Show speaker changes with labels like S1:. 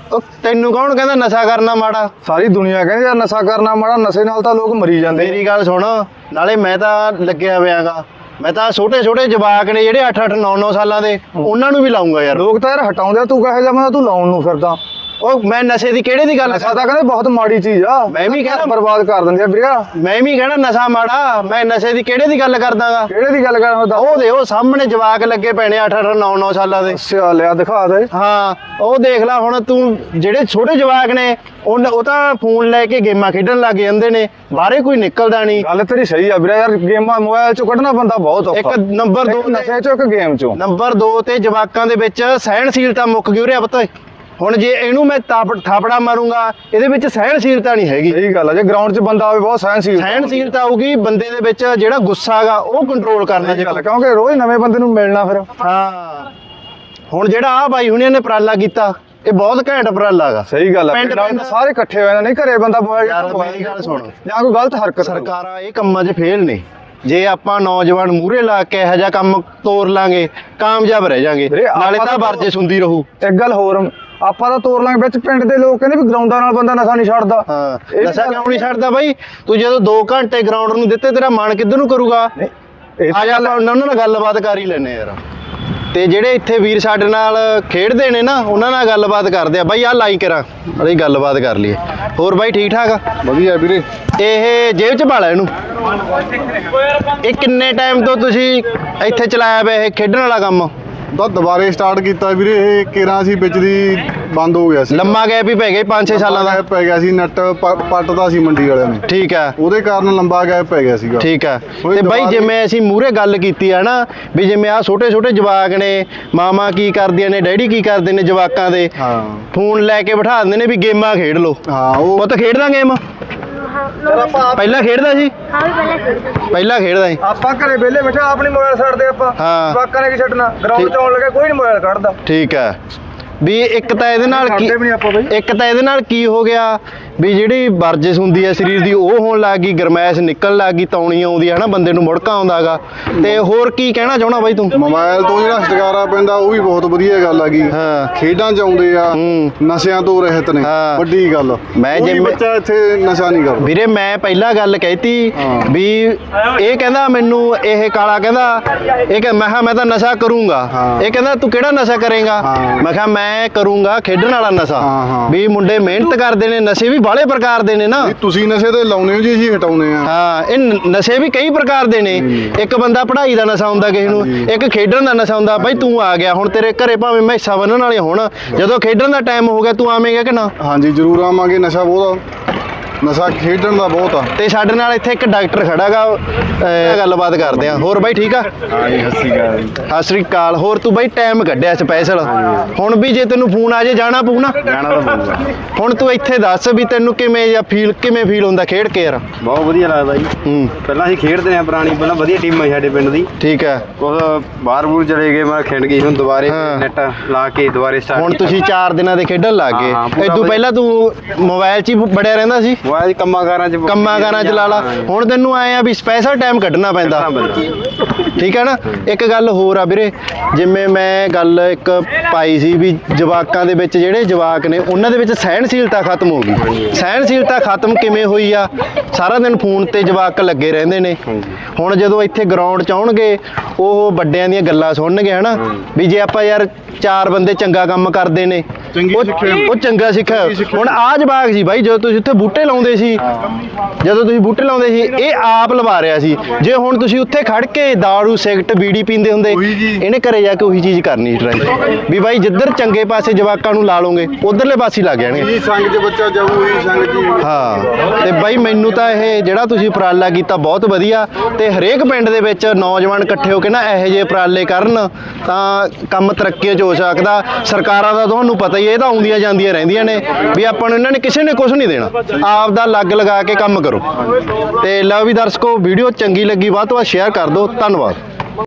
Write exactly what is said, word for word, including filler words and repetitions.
S1: ਤੈਨੂੰ ਕੌਣ ਕਹਿੰਦਾ ਨਸ਼ਾ ਕਰਨਾ ਮਾੜਾ?
S2: ਸਾਰੀ ਦੁਨੀਆ ਕਹਿੰਦੀ ਯਾਰ ਨਸ਼ਾ ਕਰਨਾ ਮਾੜਾ, ਨਸ਼ੇ ਨਾਲ ਤਾਂ ਲੋਕ ਮਰੀ ਜਾਂਦੇ।
S1: ਮੇਰੀ ਗੱਲ ਸੁਣ, ਨਾਲੇ ਮੈਂ ਤਾਂ ਲੱਗਿਆ ਹੋਇਆਗਾ, ਮੈਂ ਤਾਂ ਛੋਟੇ ਛੋਟੇ ਜਵਾਕ ਨੇ ਜਿਹੜੇ ਅੱਠ ਅੱਠ ਨੌ ਨੌ ਸਾਲਾਂ ਦੇ, ਉਹਨਾਂ ਨੂੰ ਵੀ ਲਾਉਂਗਾ ਯਾਰ।
S2: ਲੋਕ ਤਾਂ ਯਾਰ ਹਟਾਉਂਦੇ ਆ, ਤੂੰ ਕਹੇ ਜਾ ਮੈਂ ਤੂੰ ਲਾਉਣ ਨੂੰ ਫਿਰਦਾ।
S1: ਉਹ ਮੈਂ ਨਸ਼ੇ ਦੀ ਕਿਹੜੇ ਦੀ ਗੱਲ
S2: ਨਸ਼ਾ ਤਾਂ ਕਹਿੰਦੇ ਬਹੁਤ ਮਾੜੀ ਚੀਜ਼ ਆ,
S1: ਮੈਂ ਵੀ ਕਹਿੰਦਾ
S2: ਬਰਬਾਦ ਕਰ ਦਿੰਦੀ ਆ ਵੀਰੇ।
S1: ਮੈਂ ਵੀ ਕਹਿਣਾ ਨਸ਼ਾ ਮਾੜਾ, ਮੈਂ ਨਸ਼ੇ ਦੀ ਕਿਹੜੇ ਦੀ ਗੱਲ ਕਰਦਾਗਾ?
S2: ਕਿਹੜੇ ਦੀ ਗੱਲ ਕਰਦਾ?
S1: ਉਹ ਦੇ ਉਹ ਸਾਹਮਣੇ ਜਵਾਕ ਲੱਗੇ ਪੈਣੇ ਅੱਠ ਅੱਠ ਨੌ ਨੌ ਸਾਲਾਂ ਦੇ।
S2: ਅੱਛਾ ਲਿਆ ਦਿਖਾ ਦੇ।
S1: ਹਾਂ ਉਹ ਦੇਖ ਲੈ ਹੁਣ ਤੂੰ, ਜਿਹੜੇ ਛੋਟੇ ਜਵਾਕ ਨੇ ਉਹ ਉਹ ਤਾਂ ਫੋਨ ਲੈ ਕੇ ਗੇਮਾਂ ਖੇਡਣ ਲੱਗ ਜਾਂਦੇ ਨੇ, ਬਾਹਰੇ ਕੋਈ ਨਿਕਲਦਾ ਨਹੀਂ।
S2: ਗੱਲ ਤੇਰੀ ਸਹੀ ਆ ਵੀਰੇ, ਯਾਰ ਗੇਮਾਂ ਮੋਬਾਈਲ ਚੋਂ ਕੱਢਣਾ ਬੰਦਾ ਬਹੁਤ ਔਖਾ।
S1: ਇੱਕ ਨੰਬਰ ਦੋ
S2: ਨਸ਼ੇ ਚੋਂ, ਇੱਕ ਗੇਮ ਚੋਂ।
S1: ਨੰਬਰ ਦੋ ਤੇ ਜਵਾਕਾਂ ਦੇ ਵਿੱਚ ਸਹਿਣਸ਼ੀਲਤਾ ਮੁੱਕ ਗਈ ਉਰੇ ਪਤਾ। ਹੁਣ ਜੇ ਇਹਨੂੰ ਮੈਂ ਥਾਪੜਾ ਮਾਰੂੰਗਾ, ਇਹਦੇ ਵਿੱਚ ਸਹਿਣਸ਼ੀਲਤਾ ਨਹੀਂ ਹੈਗੀ।
S2: ਸਹੀ ਗੱਲ ਆ, ਜੇ ਗਰਾਊਂਡ 'ਚ ਬੰਦਾ ਆਵੇ ਬਹੁਤ ਸਹਿਣਸ਼ੀਲ
S1: ਸਹਿਣਸ਼ੀਲਤਾ ਆਊਗੀ ਬੰਦੇ ਦੇ ਵਿੱਚ, ਜਿਹੜਾ ਗੁੱਸਾ ਹੈਗਾ ਉਹ ਕੰਟਰੋਲ ਕਰਨਾ ਚਾਹੀਦਾ,
S2: ਕਿਉਂਕਿ ਰੋਜ਼ ਨਵੇਂ ਬੰਦੇ ਨੂੰ ਮਿਲਣਾ ਫਿਰ।
S1: ਹਾਂ ਹੁਣ ਜਿਹੜਾ ਆ ਬਾਈ ਹੁਣਿਆਂ ਨੇ ਉਪਰਾਲਾ ਕੀਤਾ, ਇਹ ਬਹੁਤ ਘੈਂਟ ਉਪਰਾਲਾ ਹੈਗਾ।
S2: ਸਹੀ ਗੱਲ ਆ,
S1: ਪਿੰਡ
S2: ਸਾਰੇ ਇਕੱਠੇ ਹੋਏ ਨਹੀਂ, ਘਰੇ ਬੰਦਾ ਮੋਬਾਈਲ
S1: ਮੇਰੀ ਗੱਲ ਸੁਣ,
S2: ਜਾਂ ਕੋਈ ਗਲਤ ਹਰਕਤ।
S1: ਸਰਕਾਰਾਂ ਇਹ ਕੰਮਾਂ 'ਚ ਫੇਲ ਨੇ। ਜੇ ਆਪਾਂ ਨੌਜਵਾਨ ਮੂਹਰੇ ਲਾ ਕੇ ਇਹੋ ਜਿਹਾ ਕੰਮ ਤੋਰ ਲਾਂਗੇ, ਕਾਮਯਾਬ ਰਹਿ ਜਾਾਂਗੇ, ਨਾਲੇ ਤਾਂ ਵਰਜਿਸ਼ ਹੁੰਦੀ ਰਹੂ।
S2: ਇੱਕ ਗੱਲ ਹੋਰ, ਆਪਾਂ ਤਾਂ ਤੋਰ ਲਾਂਗੇ, ਵਿੱਚ ਪਿੰਡ ਦੇ ਲੋਕ ਕਹਿੰਦੇ ਵੀ ਗਰਾਊਂਡਾਂ ਨਾਲ ਬੰਦਾ ਨਸ਼ਾ ਨਹੀਂ ਛੱਡਦਾ।
S1: ਹਾਂ ਨਸ਼ਾ ਕਿਉਂ ਨਹੀਂ ਛੱਡਦਾ ਬਾਈ? ਤੂੰ ਜਦੋਂ ਦੋ ਘੰਟੇ ਗਰਾਊਂਡ ਨੂੰ ਦਿੱਤੇ, ਤੇਰਾ ਮਨ ਕਿੱਧਰ ਨੂੰ ਕਰੂਗਾ? ਆ ਜਾ ਉਹਨਾਂ ਨਾਲ ਗੱਲਬਾਤ ਕਰ ਹੀ ਲੈਨੇ ਯਾਰ। ਤੇ ਜਿਹੜੇ ਇੱਥੇ ਵੀਰ ਸਾਡੇ ਨਾਲ ਖੇਡਦੇ ਨੇ ਨਾ, ਉਹਨਾਂ ਨਾਲ ਗੱਲਬਾਤ ਕਰਦੇ ਆ ਬਾਈ। ਆਹ ਲਾਈ ਕਰਾਂ ਅਸੀਂ ਗੱਲਬਾਤ ਕਰ ਲਈਏ। ਹੋਰ ਬਾਈ ਠੀਕ ਠਾਕ ਆ?
S2: ਵਧੀਆ ਵੀਰੇ।
S1: ਇਹ ਜੇਬ 'ਚ ਪਾ ਲੈ ਇਹਨੂੰ। ਇਹ ਕਿੰਨੇ ਟਾਈਮ ਤੋਂ ਤੁਸੀਂ ਇੱਥੇ ਚਲਾਇਆ ਪਿਆ ਇਹ ਖੇਡਣ ਵਾਲਾ ਕੰਮ?
S3: ਤਾਂ ਦੁਬਾਰੇ ਸਟਾਰਟ ਕੀਤਾ ਵੀਰੇ, ਇਹ ਕੇਰਾਂ ਸੀ ਵਿੱਚ ਦੀ ਬੰਦ ਹੋ ਗਿਆ ਸੀ।
S1: ਲੰਮਾ ਗੈਪ ਹੀ ਪੈ ਗਿਆ ਪੰਜ ਛੇ ਸਾਲਾਂ ਦਾ
S3: ਪੈ ਗਿਆ ਸੀ, ਨੈਟ ਪੱਟਦਾ ਸੀ ਮੰਡੀ ਵਾਲਿਆਂ ਨੇ।
S1: ਠੀਕ ਹੈ,
S3: ਉਹਦੇ ਕਾਰਨ ਲੰਬਾ ਗੈਪ ਪੈ ਗਿਆ ਸੀਗਾ।
S1: ਠੀਕ ਹੈ। ਤੇ ਬਾਈ ਜਿਵੇਂ ਅਸੀਂ ਮੂਹਰੇ ਗੱਲ ਕੀਤੀ ਆ ਨਾ, ਵੀ ਜਿਵੇਂ ਆ ਛੋਟੇ ਛੋਟੇ ਜਵਾਕ ਨੇ, ਮਾਮਾ ਕੀ ਕਰਦੀਆਂ ਨੇ, ਡੈਡੀ ਕੀ ਕਰਦੇ ਨੇ ਜਵਾਕਾਂ ਦੇ,
S3: ਹਾਂ
S1: ਫੋਨ ਲੈ ਕੇ ਬਿਠਾ ਦਿੰਦੇ ਨੇ ਵੀ ਗੇਮਾਂ ਖੇਡ ਲਓ।
S3: ਹਾਂ ਉਹ
S1: ਪੁੱਤ ਖੇਡਦਾ ਗੇਮ? ਪਹਿਲਾਂ ਖੇਡਦਾ ਸੀ?
S4: ਹਾਂ ਵੀ ਪਹਿਲਾਂ ਖੇਡਦਾ
S1: ਪਹਿਲਾਂ ਖੇਡਦਾ ਸੀ।
S2: ਆਪਾਂ ਘਰੇ ਵਿਹਲੇ ਬੈਠੇ ਆਪਣੀ ਮੋਬਾਈਲ ਛੱਡਦੇ ਆਪਾਂ।
S1: ਹਾਂ
S2: ਜਵਾਕਾਂ ਨੇ ਕੀ ਛੱਡਣਾ, ਗਰਾਊਂਡ 'ਚ ਆਉਣ ਲੱਗੇ ਕੋਈ ਨਹੀਂ ਮੋਬਾਈਲ ਕੱਢਦਾ।
S1: ਠੀਕ ਹੈ। ਵੀ ਇੱਕ ਤਾਂ ਇਹਦੇ ਨਾਲ ਕੀ,
S2: ਛੱਡਦੇ ਵੀ ਨਹੀਂ ਆਪਾਂ ਬਈ।
S1: ਇੱਕ ਤਾਂ ਇਹਦੇ ਨਾਲ ਕੀ ਹੋ ਗਿਆ ਵੀ ਜਿਹੜੀ ਵਰਜਿਸ਼ ਹੁੰਦੀ ਹੈ ਸਰੀਰ ਦੀ ਉਹ ਹੋਣ ਲੱਗ ਗਈ, ਗਰਮੈਸ਼ ਨਿਕਲਣ ਲੱਗ ਗਈ, ਤੌਣੀ ਆਉਂਦੀ ਹੈ ਨਾ, ਬੰਦੇ ਨੂੰ ਮੁੜਕਾ ਆਉਂਦਾ ਹੈਗਾ। ਤੇ ਹੋਰ ਕੀ ਕਹਿਣਾ ਚਾਹਣਾ ਬਾਈ ਤੂੰ?
S3: ਮੋਬਾਈਲ ਤੋਂ ਜਿਹੜਾ ਛੁਟਕਾਰਾ ਪੈਂਦਾ ਉਹ ਵੀ ਬਹੁਤ ਵਧੀਆ ਗੱਲ ਆ ਗਈ।
S1: ਹਾਂ
S3: ਖੇਡਾਂ 'ਚ ਆਉਂਦੇ ਆ,
S1: ਹੂੰ।
S3: ਨਸ਼ਿਆਂ ਤੋਂ ਰਹਿਤ ਨੇ,
S1: ਹਾਂ।
S3: ਵੱਡੀ ਗੱਲ।
S1: ਮੈਂ
S3: ਕੋਈ
S1: ਜਿਵੇਂ-
S3: ਬੱਚਾ ਇੱਥੇ ਨਸ਼ਾ ਨਹੀਂ ਕਰਦਾ
S1: ਵੀਰੇ। ਮੈਂ ਪਹਿਲਾਂ ਗੱਲ ਕਹਿਤੀ ਵੀ ਇਹ ਕਹਿੰਦਾ ਮੈਨੂੰ, ਇਹ ਕਾਲਾ ਕਹਿੰਦਾ, ਇਹ ਕਹਿੰਦਾ ਮੈਂ ਕਿਹਾ ਮੈਂ ਤਾਂ ਨਸ਼ਾ ਕਰੂੰਗਾ।
S3: ਹਾਂ।
S1: ਇਹ ਕਹਿੰਦਾ ਤੂੰ ਕਿਹੜਾ ਨਸ਼ਾ ਕਰੇਗਾ?
S3: ਹਾਂ।
S1: ਮੈਂ ਕਿਹਾ ਮੈਂ ਕਰੂੰਗਾ ਖੇਡਣ ਵਾਲਾ ਨਸ਼ਾ।
S3: ਹਾਂ, ਹਾਂ।
S1: ਵੀ ਮੁੰਡੇ ਮਿਹਨਤ ਕਰਦੇ ਨੇ, ਨਸ਼ੇ ਵੀ ਬਾਹਲੇ ਪ੍ਰਕਾਰ ਦੇ ਨੇ ਨਾ।
S3: ਨਹੀਂ, ਤੁਸੀਂ ਨਸ਼ੇ ਤੇ ਲਾਉਨੇ ਹੋ ਜੀ, ਅਸੀਂ ਹਟਾਉਨੇ ਆ।
S1: ਹਾਂ ਇਹ ਨ- ਨਸ਼ੇ ਵੀ ਕਈ ਪ੍ਰਕਾਰ ਦੇ ਨੇ। ਇੱਕ ਬੰਦਾ ਪੜ੍ਹਾਈ ਦਾ ਨਸ਼ਾ ਹੁੰਦਾ ਕਿਸੇ ਨੂੰ, ਇੱਕ ਖੇਡਣ ਦਾ ਨਸ਼ਾ ਹੁੰਦਾ। ਬਾਈ ਤੂੰ ਆ ਗਿਆ ਹੁਣ, ਤੇਰੇ ਘਰੇ ਭਾਵੇਂ ਮੈਸਾਂ ਬੰਨਣ ਵਾਲੇ ਹੋਣ, ਜਦੋਂ ਖੇਡਣ ਦਾ ਟਾਈਮ ਹੋ ਗਿਆ ਤੂੰ ਆਵੇਂਗਾ ਕਿ ਨਾ?
S3: ਹਾਂਜੀ ਜ਼ਰੂਰ ਆਵਾਂਗੇ। ਨਸ਼ਾ ਬਹੁਤ ਆ, ਨਸ਼ਾ ਖੇਡਣ ਦਾ ਬਹੁਤ ਆ।
S1: ਤੇ ਸਾਡੇ ਨਾਲ ਇੱਥੇ ਇੱਕ ਡਾਕਟਰ ਖੜਾਗਾ, ਗੱਲਬਾਤ ਕਰਦੇ ਆ। ਹੋਰ ਬਾਈ ਠੀਕ ਆ?
S3: ਹਾਂਜੀ ਸਤਿ ਸ਼੍ਰੀ ਅਕਾਲ।
S1: ਸਤਿ ਸ੍ਰੀ ਅਕਾਲ। ਹੋਰ ਤੂੰ ਬਾਈ ਟਾਈਮ ਕੱਢਿਆ ਸਪੈਸ਼ਲ, ਹੁਣ ਵੀ ਜੇ ਤੈਨੂੰ ਫੋਨ ਆ ਜੇ ਜਾਣਾ ਪਊ ਨਾ?
S3: ਜਾਣਾ ਤਾਂ ਪਊਗਾ।
S1: ਹੁਣ ਤੂੰ ਇੱਥੇ ਦੱਸ ਵੀ ਤੈਨੂੰ ਕਿਵੇਂ ਜਾਂ ਫੀਲ ਕਿਵੇਂ ਫੀਲ ਹੁੰਦਾ ਖੇਡ ਕੇ ਯਾਰ?
S5: ਬਹੁਤ ਵਧੀਆ ਲੱਗਦਾ ਜੀ।
S1: ਹੂੰ
S5: ਪਹਿਲਾਂ ਅਸੀਂ ਖੇਡਦੇ ਆ ਪੁਰਾਣੀ, ਪਹਿਲਾਂ ਵਧੀਆ ਟੀਮ ਹੈ ਸਾਡੇ ਪਿੰਡ ਦੀ।
S1: ਠੀਕ ਹੈ।
S5: ਕੁਝ ਬਾਹਰ ਬੂਰ ਚਲੇ ਗਏ, ਮੈਂ ਖੇਡ ਗਈ, ਹੁਣ ਦੁਬਾਰੇ
S1: ਹਾਂ।
S5: ਨੈਟ ਲਾ ਕੇ ਦੁਬਾਰੇ ਸਟਾਰਟ।
S1: ਹੁਣ ਤੁਸੀਂ ਚਾਰ ਦਿਨਾਂ ਦੇ ਖੇਡਣ ਲੱਗ ਗਏ।
S5: ਹਾਂ, ਪੂਰਾ
S1: ਇਦੋਂ
S5: ਵਧੀਆ।
S1: ਪਹਿਲਾਂ ਤੂੰ ਮੋਬਾਈਲ 'ਚ ਹੀ ਬੜਿਆ ਰਹਿੰਦਾ ਸੀ?
S5: ਮੋਬਾਈਲ ਕੰਮਾਂ ਕਾਰਾਂ ਚ
S1: ਕੰਮਾਂ ਕਾਰਾਂ 'ਚ ਲਾ ਲਾ। ਹੁਣ ਤੈਨੂੰ ਆਏ ਆ ਵੀ ਸਪੈਸ਼ਲ ਟਾਈਮ ਕੱਢਣਾ ਪੈਂਦਾ। ਠੀਕ ਹੈ ਨਾ। ਇੱਕ ਗੱਲ ਹੋਰ ਆ ਵੀਰੇ, ਜਿਵੇਂ ਮੈਂ ਗੱਲ ਇੱਕ ਪਾਈ ਸੀ ਵੀ ਜਵਾਕਾਂ ਦੇ ਵਿੱਚ, ਜਿਹੜੇ ਜਵਾਕ ਨੇ ਉਹਨਾਂ ਦੇ ਵਿੱਚ ਸਹਿਣਸ਼ੀਲਤਾ ਖਤਮ ਹੋ ਗਈ। ਸਹਿਣਸ਼ੀਲਤਾ ਖਤਮ ਕਿਵੇਂ ਹੋਈ ਆ? ਸਾਰਾ ਦਿਨ ਫੋਨ ਤੇ ਜਵਾਕ ਲੱਗੇ ਰਹਿੰਦੇ ਨੇ। ਹੁਣ ਜਦੋਂ ਇੱਥੇ ਗਰਾਊਂਡ 'ਚ ਆਉਣਗੇ, ਉਹ ਵੱਡਿਆਂ ਦੀਆਂ ਗੱਲਾਂ ਸੁਣਨਗੇ ਹਨਾ, ਵੀ ਜੇ ਆਪਾਂ ਯਾਰ ਚਾਰ ਬੰਦੇ ਚੰਗਾ ਕੰਮ ਕਰਦੇ ਨੇ, ਉਹ ਉਹ ਚੰਗਾ ਸਿੱਖਿਆ। ਹੁਣ ਆ ਜਵਾਕ ਸੀ ਬਾਈ, ਜਦੋਂ ਤੁਸੀਂ ਉੱਥੇ ਬੂਟੇ ਲਾਉਂਦੇ ਸੀ, ਜਦੋਂ ਤੁਸੀਂ ਬੂਟੇ ਲਾਉਂਦੇ ਸੀ ਇਹ ਆਪ ਲਵਾ ਰਿਹਾ ਸੀ। ਜੇ ਹੁਣ ਤੁਸੀਂ ਉੱਥੇ ਖੜ ਕੇ ਦਾਰੂ ਸਿਗਰਟ ਬੀੜੀ ਪੀਂਦੇ ਹੁੰਦੇ, ਇਹਨੇ ਘਰੇ ਜਾ ਕੇ ਉਹੀ ਚੀਜ਼ ਕਰਨੀ ਟਰਾਈ ਵੀ ਬਾਈ ਜਿੱਧਰ ਚੰਗੇ ਪਾਸੇ ਜਵਾਕਾਂ ਨੂੰ ਲਾ ਲੋਗੇ ਉਧਰਲੇ ਪਾਸੇ ਲੱਗ ਜਾਣਗੇ।
S3: ਜੀ ਸੰਗ 'ਚ ਬੱਚਾ ਜਾਊ, ਉਹੀ ਸੰਗ 'ਚ ਹੀ।
S1: ਹਾਂ ਤੇ ਬਾਈ ਮੈਨੂੰ ਤਾਂ ਇਹ ਜਿਹੜਾ ਤੁਸੀਂ ਉਪਰਾਲਾ ਕੀਤਾ ਬਹੁਤ ਵਧੀਆ। ਤੇ ਹਰੇਕ ਪਿੰਡ ਦੇ ਵਿੱਚ ਨੌਜਵਾਨ ਇਕੱਠੇ ਹੋ ਕੇ ਨਾ ਇਹੋ ਜਿਹੇ ਉਪਰਾਲੇ ਕਰਨ ਤਾਂ ਕੰਮ ਤਰੱਕੀਆਂ 'ਚ ਹੋ ਸਕਦਾ। ਸਰਕਾਰਾਂ ਦਾ ਤੁਹਾਨੂੰ ਪਤਾ ਹੀ, ਇਹ ਤਾਂ ਆਉਂਦੀਆਂ ਜਾਂਦੀਆਂ ਰਹਿੰਦੀਆਂ ਨੇ ਵੀ ਆਪਾਂ ਨੂੰ ਇਹਨਾਂ ਨੇ ਕਿਸੇ ਨੇ ਕੁਝ ਨਹੀਂ ਦੇਣਾ, ਆਪ ਦਾ ਲੱਗ ਲਗਾ ਕੇ ਕੰਮ ਕਰੋ। ਤੇ ਲਓ ਵੀ ਦਰਸ਼ਕੋ, ਵੀਡੀਓ ਚੰਗੀ ਲੱਗੀ ਵੱਧ ਤੋਂ ਵੱਧ ਸ਼ੇਅਰ ਕਰ ਦਿਓ। ਧੰਨਵਾਦ।